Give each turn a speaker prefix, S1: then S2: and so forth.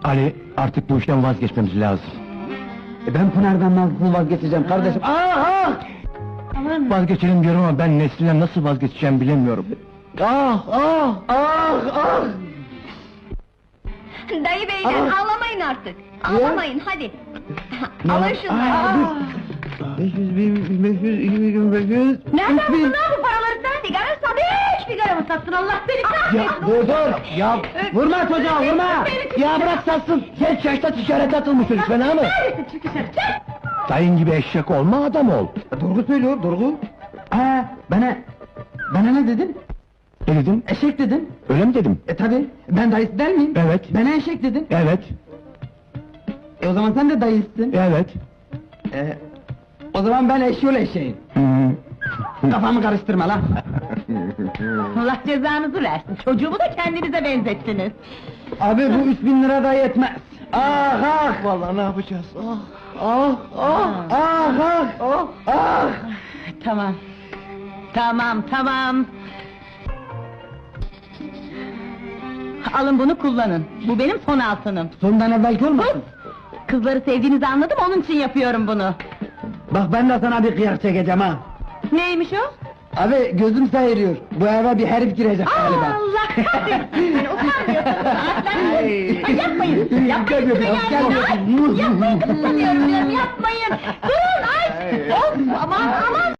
S1: Ali, artık bu işten vazgeçmemiz lazım.
S2: Ben Pınar'dan nasıl vazgeçeceğim kardeşim? Ah!
S3: Aman!
S1: Vazgeçelim diyorum ama ben Nesrin'den nasıl vazgeçeceğim bilemiyorum.
S3: Dayı beyler, ağlamayın artık! Ağlamayın, hadi! Alın şunları!
S2: 500 bin, 500, 2000, 500...
S3: Nereden buldun lan bu paraları sen? Sigara sat! Hiç sigara mı sattın, Allah seni kahretsin!
S2: Dur! Ya vurma çocuğa, vurma! Ya bırak satsın! Genç yaşta ticarete atılmış çocuk, fena mı?
S3: Neredesin, çık dışarı, çık!
S1: Dayın gibi eşek olma, adam ol.
S2: Durgu söylüyor, Durgu. Bana ne dedin?
S1: Ne dedin?
S2: Eşek dedin.
S1: Öyle mi dedim?
S2: Tabi, ben dayısı der miyim?
S1: Evet.
S2: Bana eşek dedin.
S1: Evet,
S2: O zaman sen de dayısın.
S1: evet.
S2: O zaman ben eşyol eşeğim. Kafamı karıştırma lan!
S3: Allah cezanızı versin, çocuğumu da kendinize benzettiniz!
S2: Abi bu 3000 lira da yetmez. Ah!
S1: Vallahi ne yapacağız?
S3: Tamam. Tamam. Alın bunu kullanın. Bu benim son altınım.
S2: Sondan evvelki olmasın?
S3: Kızları sevdiğinizi anladım, onun için yapıyorum bunu.
S2: Bak ben de sana bir kıyak çekeceğim ha!
S3: Neymiş o?
S2: Abi gözüm sayırıyor, bu eve bir herif girecek galiba!
S3: Allah kahretsin seni, utanmıyorsun! Ay, yapmayın! Yapmayın kızım yani! Ay, yapmayın kızım diyorum, yapmayın! Durun ay! Of, aman!